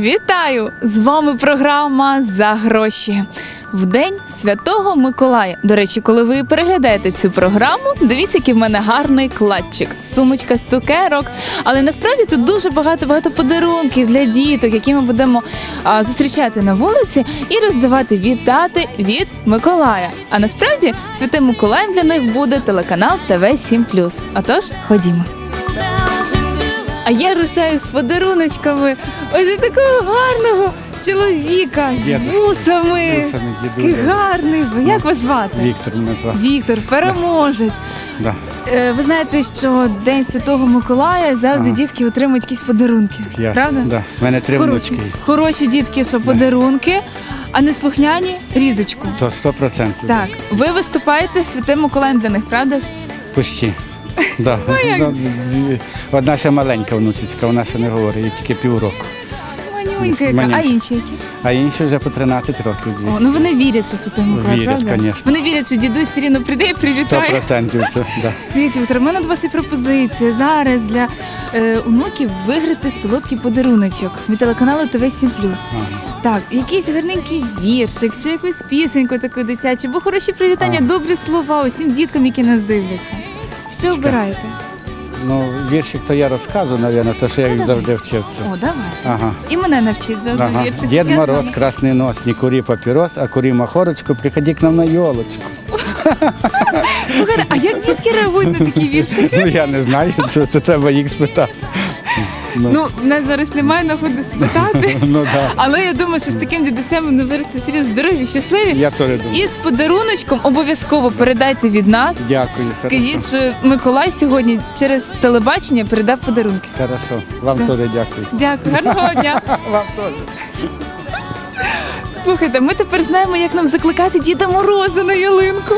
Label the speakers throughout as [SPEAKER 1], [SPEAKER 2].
[SPEAKER 1] Вітаю! З вами програма «За гроші». В День Святого Миколая. До речі, коли ви переглядаєте цю програму, дивіться, який в мене гарний кладчик, сумочка з цукерок. Але насправді тут дуже багато подарунків для діток, які ми будемо зустрічати на вулиці і роздавати вітати від Миколая. А насправді Святим Миколаєм для них буде телеканал ТВ7+. Отож, ходімо. А я рушаю з подаруночками ось до такого гарного чоловіка з вусами. Який гарний. Як вас звати?
[SPEAKER 2] Віктор мене звати.
[SPEAKER 1] Віктор, переможець.
[SPEAKER 2] Да.
[SPEAKER 1] Ви знаєте, що День Святого Миколая завжди дітки отримують якісь подарунки. Правда?
[SPEAKER 2] Да. У мене 3 внучки.
[SPEAKER 1] Хороші дітки, що подарунки, а не слухняні – різочку.
[SPEAKER 2] То 100%.
[SPEAKER 1] Так. Ви виступаєте з Святим Миколаєм для них, правда ж?
[SPEAKER 2] Почти. Да. Одна ще маленька внучечка, вона ще не говорить, їй тільки півроку.
[SPEAKER 1] Манюнька яка. А інші які?
[SPEAKER 2] А інші вже по 13 років.
[SPEAKER 1] О, ну вони вірять, що Святий Миколай,
[SPEAKER 2] Вірять,
[SPEAKER 1] правда?
[SPEAKER 2] звісно.
[SPEAKER 1] Вони вірять, що дідусь все рівно прийде і привітає.
[SPEAKER 2] 100%. Да.
[SPEAKER 1] Дивіться, Віктор, у мене до вас є пропозиція зараз для онуків виграти солодкий подаруночок від телеканалу ТВ7+. Так, якийсь гарненький віршик, чи якусь пісеньку таку дитячу, бо хороші привітання, добрі слова усім діткам, які нас дивляться. Що обираєте?
[SPEAKER 2] Ну, віршик то я розказую, мабуть, то що я їх завжди вчив.
[SPEAKER 1] О, давай.
[SPEAKER 2] Ага.
[SPEAKER 1] І мене навчить завжди віршик.
[SPEAKER 2] Дед Мороз, красный нос, не кури папирос, а кури махорочку, приходи к нам на елочку.
[SPEAKER 1] Слухайте, а як дітки реагують на такі віршики?
[SPEAKER 2] Ну, я не знаю, це треба їх спитати.
[SPEAKER 1] Ну, в нас зараз немає нагоди спитати,
[SPEAKER 2] Ну, да.
[SPEAKER 1] але я думаю, що з таким дідусем вони виросте серйозно здорові, щасливі.
[SPEAKER 2] Я теж думаю.
[SPEAKER 1] І з подаруночком обов'язково передайте від нас.
[SPEAKER 2] Дякую.
[SPEAKER 1] Скажіть, що Миколай сьогодні через телебачення передав подарунки.
[SPEAKER 2] Хорошо. Вам теж дякую.
[SPEAKER 1] Дякую, гарного дня.
[SPEAKER 2] Вам теж.
[SPEAKER 1] Слухайте, ми тепер знаємо, як нам закликати Діда Мороза на ялинку.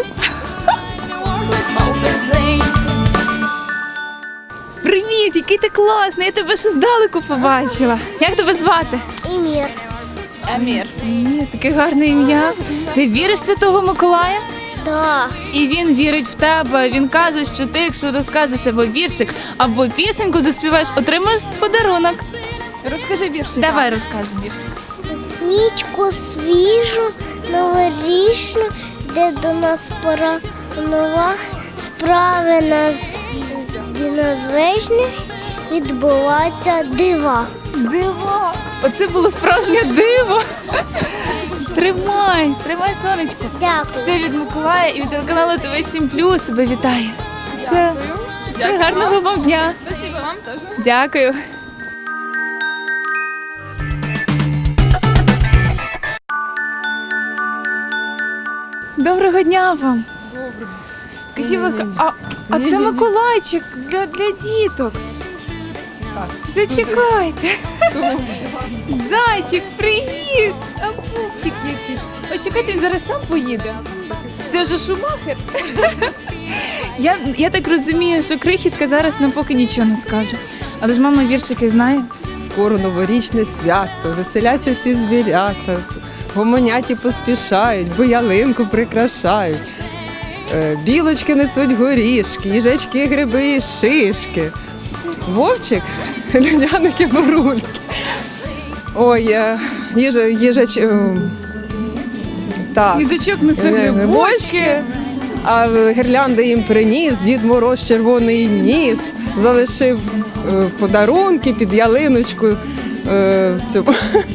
[SPEAKER 1] Привіт, який ти класний, я тебе ще здалеку побачила. Як тебе звати?
[SPEAKER 3] Емір.
[SPEAKER 1] Амір. Ні, таке гарне ім'я. Ти віриш в Святого Миколая?
[SPEAKER 3] Да.
[SPEAKER 1] І він вірить в тебе. Він каже, що ти, якщо розкажеш або віршик, або пісеньку заспіваєш, отримаєш подарунок. Розкажи віршик. Давай розкажемо віршик.
[SPEAKER 3] Нічку свіжу, новорічну, де до нас пора нова, справи надзвичайних відбуваються дива.
[SPEAKER 1] Диво! Оце було справжнє диво. Тримай, сонечко.
[SPEAKER 3] Дякую.
[SPEAKER 1] Це від Миколая і від телеканалу ТВ7+. Тебе вітає. Все. Гарного вам дня.
[SPEAKER 4] Спасибо вам теж.
[SPEAKER 1] Дякую. Доброго дня вам. Доброго. Скажіть, будь ласка, а це Миколайчик для діток. Так. Зачекайте. Зайчик, привіт! А пупсик який. Ой, чекайте, він зараз сам поїде. Це вже Шумахер. Я так розумію, що крихітка зараз нам поки нічого не скаже. Але ж мама віршики знає.
[SPEAKER 4] Скоро новорічне свято, веселяться всі звірята, гомонять і поспішають, бо ялинку прикрашають. Білочки несуть горішки, їжачки, гриби і шишки. Вовчик, людяники, бурульки. Ой, їжач... Так.
[SPEAKER 1] Їжачок несе грибочки.
[SPEAKER 4] А гірлянди їм приніс, Дід Мороз червоний ніс, залишив подарунки під ялиночкою в цьому.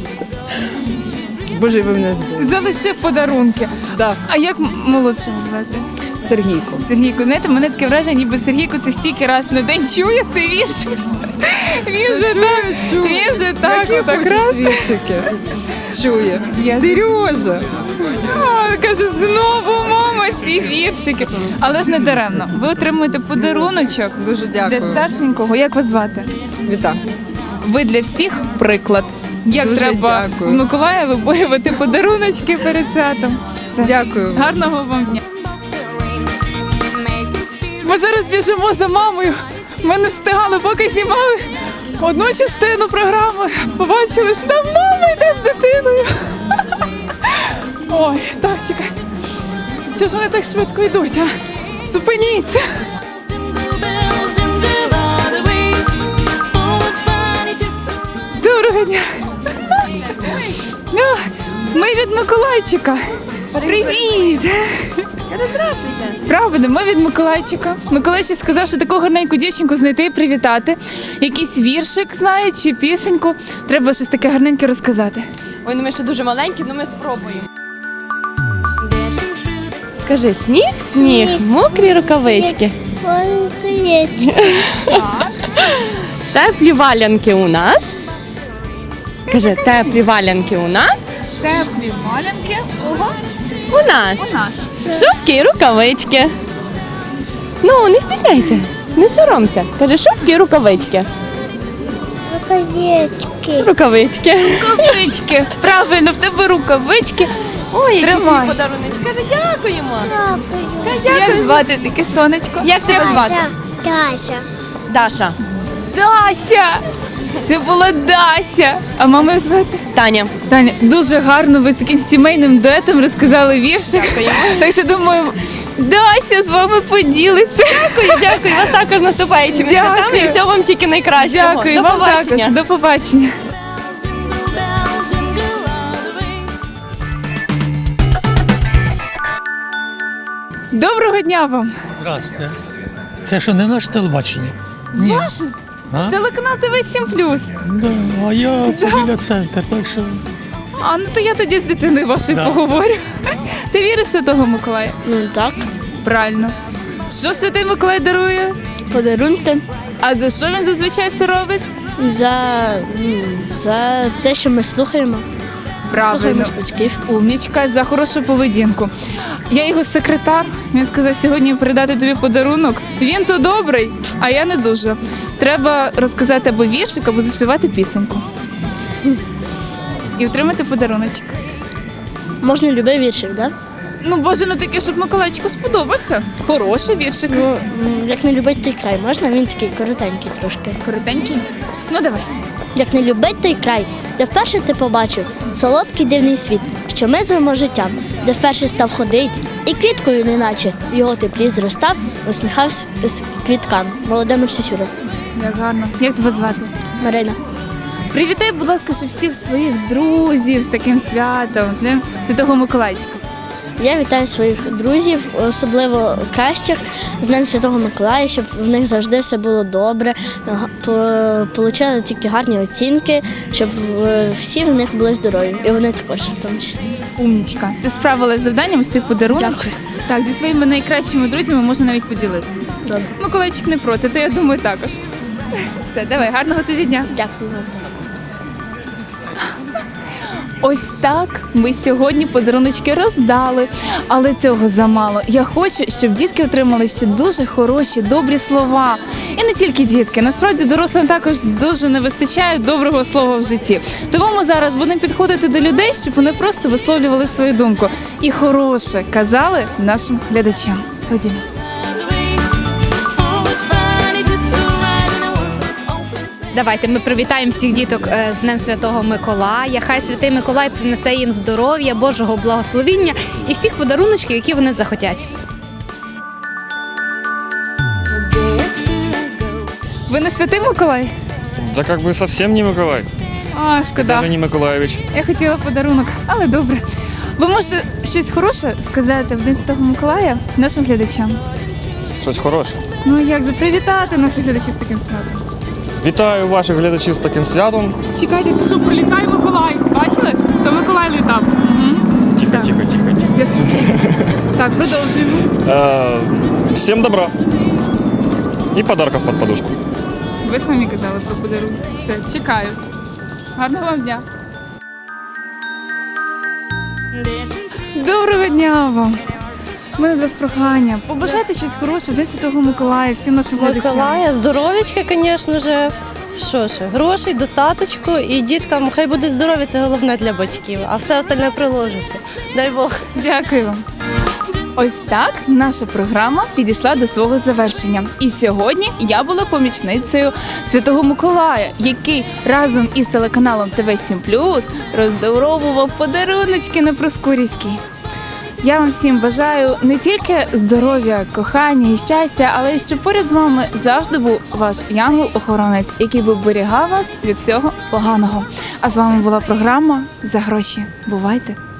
[SPEAKER 4] Боже, ви мене збили.
[SPEAKER 1] Залишив подарунки.
[SPEAKER 4] Да.
[SPEAKER 1] А як молодшого звати?
[SPEAKER 4] Сергійко.
[SPEAKER 1] Сергійко, знаєте, мене таке враження, ніби Сергійко це стільки раз на день чує цей вірш. Він вже так,
[SPEAKER 4] Які
[SPEAKER 1] отак
[SPEAKER 4] хочеш
[SPEAKER 1] раз.
[SPEAKER 4] віршики? Чує.
[SPEAKER 1] Я-
[SPEAKER 4] Сережа.
[SPEAKER 1] Каже, знову мама ці віршики. Але ж не даремно. Ви отримуєте подаруночок
[SPEAKER 4] Дуже дякую.
[SPEAKER 1] для старшенького. Як вас звати?
[SPEAKER 4] Віта.
[SPEAKER 1] Ви для всіх приклад. Як
[SPEAKER 4] Дуже
[SPEAKER 1] треба
[SPEAKER 4] дякую.
[SPEAKER 1] в Миколая виборювати подаруночки перед святом. Все.
[SPEAKER 4] Дякую.
[SPEAKER 1] Гарного вам дня. Ми зараз біжимо за мамою. Ми не встигали, поки знімали одну частину програми. Побачили, що там мама йде з дитиною. Ой, так, чекайте. Чого ж вони так швидко йдуть, а? Зупиніться. Доброго дня. Ну, ми від Миколайчика. Привіт!
[SPEAKER 5] Здравствуйте.
[SPEAKER 1] Правда, ми від Миколайчика. Миколайчик сказав, що таку гарненьку дівчинку знайти і привітати. Якийсь віршик знає чи пісеньку. Треба щось таке гарненьке розказати.
[SPEAKER 5] Ой, ну ми ще дуже маленькі, ну ми спробуємо. Скажи, сніг, сніг,
[SPEAKER 3] Сніг.
[SPEAKER 5] мокрі рукавички.
[SPEAKER 3] Яєчко.
[SPEAKER 5] Теплі валянки у нас. Кажи, теплі валянки у нас.
[SPEAKER 1] Теплі малянки. Ого,
[SPEAKER 5] У нас.
[SPEAKER 1] у нас.
[SPEAKER 5] Шубки і рукавички. Ну, не стісняйся, не соромся. Кажи, шубки і рукавички.
[SPEAKER 3] Рукавички.
[SPEAKER 5] Рукавички.
[SPEAKER 1] Рукавички. Правильно, в тебе рукавички.
[SPEAKER 5] Ой, який
[SPEAKER 1] Тримай.
[SPEAKER 5] тобі подарунок. Каже, дякуємо.
[SPEAKER 3] Дякую.
[SPEAKER 1] Як звати таке сонечко?
[SPEAKER 5] Як тебе звати?
[SPEAKER 3] Тася.
[SPEAKER 5] Даша.
[SPEAKER 1] Дася! Це була Дася. А маму як звати?
[SPEAKER 5] Таня.
[SPEAKER 1] Таня, дуже гарно ви таким сімейним дуетом розказали віршик. Так що думаю, Дася з вами поділиться.
[SPEAKER 5] Дякую, вас також наступаючими
[SPEAKER 1] Дякую.
[SPEAKER 5] святами і всього вам тільки найкращого.
[SPEAKER 1] Дякую,
[SPEAKER 5] До
[SPEAKER 1] вам
[SPEAKER 5] побачення.
[SPEAKER 1] також. До побачення. Доброго дня вам.
[SPEAKER 6] Здрасте. Це що не наше телебачення? Ні.
[SPEAKER 1] Ваше
[SPEAKER 6] А?
[SPEAKER 1] телеканал ТВ 7+.
[SPEAKER 6] Да, а я біля центр, так що
[SPEAKER 1] А, ну то я тоді з дитиною вашою
[SPEAKER 6] Да.
[SPEAKER 1] поговорю. Ти віриш в Святого Миколая?
[SPEAKER 3] Ну так,
[SPEAKER 1] Правильно. Що Святий Миколай дарує?
[SPEAKER 3] подарунки
[SPEAKER 1] А за що він зазвичай це робить?
[SPEAKER 3] за те, що ми слухаємо.
[SPEAKER 1] Правильно.
[SPEAKER 3] батьків.
[SPEAKER 1] Умнічка, за хорошу поведінку. Я його секретар. Він сказав сьогодні передати тобі подарунок. Він то добрий, а я не дуже. Треба розказати або віршик, або заспівати пісеньку. І отримати подаруночок.
[SPEAKER 3] Можна любий віршик, так?
[SPEAKER 1] Ну, боже, ну таке, щоб Миколайчику сподобався. Хороший віршик.
[SPEAKER 3] Ну, як не любить той край, можна? Він такий коротенький трошки.
[SPEAKER 1] Коротенький. Ну давай.
[SPEAKER 3] Як не любить той край, де вперше ти побачив солодкий дивний світ, що ми звемо життям, де вперше став ходить, і квіткою неначе в його теплі зростав, усміхався з квіткам. Володимир Сюсюров.
[SPEAKER 1] Як гарно. Як тебе звати?
[SPEAKER 3] Марина.
[SPEAKER 1] Привітай, будь ласка, ще всіх своїх друзів з таким святом, з Днем Святого Миколайчика.
[SPEAKER 3] Я вітаю своїх друзів, особливо кращих, з Днем Святого Миколая, щоб в них завжди все було добре, отримали тільки гарні оцінки, щоб всі в них були здорові. І вони також в тому числі.
[SPEAKER 1] Умнічка. Ти справилась з завданням з тих подарунків?
[SPEAKER 3] Дякую.
[SPEAKER 1] Так, зі своїми найкращими друзями можна навіть поділитися.
[SPEAKER 3] Добре.
[SPEAKER 1] Миколайчик не проти, то я думаю також. Все, давай, гарного тобі дня.
[SPEAKER 3] Дякую вам.
[SPEAKER 1] Ось так ми сьогодні подаруночки роздали, але цього замало. Я хочу, щоб дітки отримали ще дуже хороші, добрі слова. І не тільки дітки, насправді дорослим також дуже не вистачає доброго слова в житті. Тому ми зараз будемо підходити до людей, щоб вони просто висловлювали свою думку. І хороше казали нашим глядачам. Ходімо.
[SPEAKER 7] Давайте ми привітаємо всіх діток з Днем Святого Миколая. Хай Святий Миколай принесе їм здоров'я, Божого благословіння і всіх подаруночків, які вони захотять.
[SPEAKER 1] Ви не Святий Миколай?
[SPEAKER 8] Да как бы совсем не Миколай,
[SPEAKER 1] А, шкода.
[SPEAKER 8] даже не Миколаевич.
[SPEAKER 1] Я хотіла подарунок, але добре. Ви можете щось хороше сказати в День Святого Миколая нашим глядачам?
[SPEAKER 8] Щось хороше.
[SPEAKER 1] Ну а як же привітати наших глядачів з таким святом?
[SPEAKER 8] Вітаю ваших глядачів з таким святом.
[SPEAKER 1] Чекайте, це що, прилітає Миколай? Бачили? То Миколай літав. Угу.
[SPEAKER 8] Тихо,
[SPEAKER 1] Так.
[SPEAKER 8] тихо, тихо, тихо.
[SPEAKER 1] Я слухаю. Так, продовжуємо.
[SPEAKER 8] Всем добра. И подарков под подушку.
[SPEAKER 1] Ви самі казали про подарунок. Все, чекаю. Гарного вам дня. Доброго дня вам. У мене до вас прохання. Побажайте щось хороше в День Святого Миколая, всім нашим глядачам.
[SPEAKER 9] Миколая, здоров'ячка, звісно ж. Що ж, грошей, достаточку, і діткам хай будуть здорові, це головне для батьків, а все остальне приложиться. Дай Бог.
[SPEAKER 1] Дякую вам. Ось так наша програма підійшла до свого завершення. І сьогодні я була помічницею Святого Миколая, який разом із телеканалом ТВ 7+, роздоровував подаруночки на Проскурівській. Я вам всім бажаю не тільки здоров'я, кохання і щастя, але й щоб поряд з вами завжди був ваш янгол-охоронець, який би оберігав вас від всього поганого. А з вами була програма «За гроші». Бувайте!